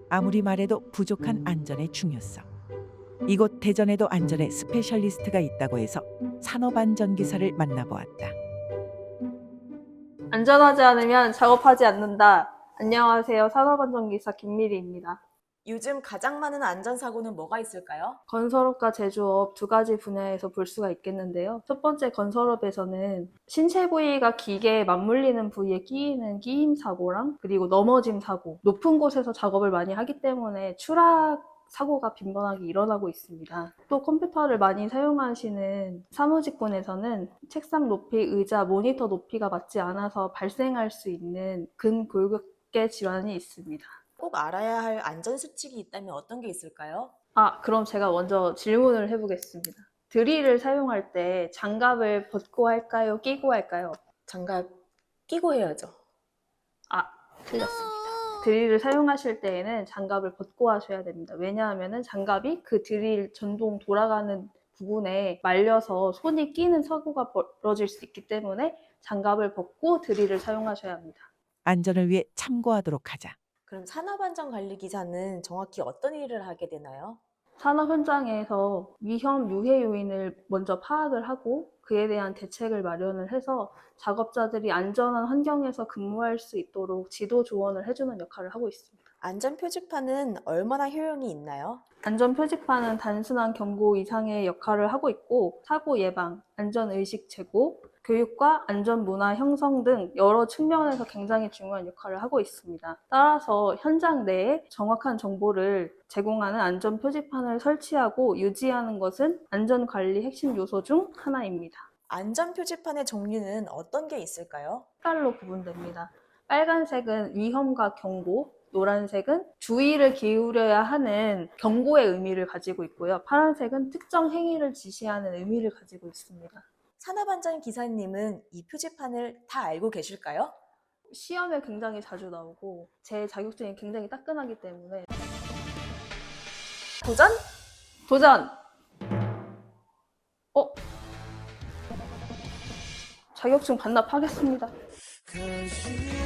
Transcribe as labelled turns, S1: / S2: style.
S1: 아무리 말해도 부족한 안전의 중요성. 이곳 대전에도 안전의 스페셜리스트가 있다고 해서 산업안전기사를 만나보았다.
S2: 안전하지 않으면 작업하지 않는다. 안녕하세요. 산업안전기사 김미리입니다.
S3: 요즘 가장 많은 안전사고는 뭐가 있을까요?
S2: 건설업과 제조업 두 가지 분야에서 볼 수가 있겠는데요. 첫 번째 건설업에서는 신체 부위가 기계에 맞물리는 부위에 끼이는 끼임 사고랑 그리고 넘어짐 사고, 높은 곳에서 작업을 많이 하기 때문에 추락 사고가 빈번하게 일어나고 있습니다. 또 컴퓨터를 많이 사용하시는 사무직군에서는 책상 높이, 의자, 모니터 높이가 맞지 않아서 발생할 수 있는 근골격계 질환이 있습니다.
S3: 꼭 알아야 할 안전수칙이 있다면 어떤 게 있을까요?
S2: 그럼 제가 먼저 질문을 해보겠습니다. 드릴을 사용할 때 장갑을 벗고 할까요? 끼고 할까요?
S3: 장갑 끼고 해야죠.
S2: 틀렸습니다. 드릴을 사용하실 때에는 장갑을 벗고 하셔야 됩니다. 왜냐하면 장갑이 그 드릴 전동 돌아가는 부분에 말려서 손이 끼는 사고가 벌어질 수 있기 때문에 장갑을 벗고 드릴을 사용하셔야 합니다.
S1: 안전을 위해 참고하도록 하자.
S3: 그럼 산업안전관리기사는 정확히 어떤 일을 하게 되나요?
S2: 산업 현장에서 위험 유해 요인을 먼저 파악을 하고 그에 대한 대책을 마련을 해서 작업자들이 안전한 환경에서 근무할 수 있도록 지도 조언을 해주는 역할을 하고 있습니다.
S3: 안전표지판은 얼마나 효용이 있나요?
S2: 안전 표지판은 단순한 경고 이상의 역할을 하고 있고 사고 예방, 안전의식 제고, 교육과 안전 문화 형성 등 여러 측면에서 굉장히 중요한 역할을 하고 있습니다. 따라서 현장 내에 정확한 정보를 제공하는 안전 표지판을 설치하고 유지하는 것은 안전관리 핵심 요소 중 하나입니다.
S3: 안전표지판의 종류는 어떤 게 있을까요?
S2: 색깔로 구분됩니다. 빨간색은 위험과 경고, 노란색은 주의를 기울여야 하는 경고의 의미를 가지고 있고요. 파란색은 특정 행위를 지시하는 의미를 가지고 있습니다.
S3: 산업안전기사님은 이 표지판을 다 알고 계실까요?
S2: 시험에 굉장히 자주 나오고 제 자격증이 굉장히 따끈하기 때문에
S3: 도전?
S2: 도전! 자격증 반납하겠습니다.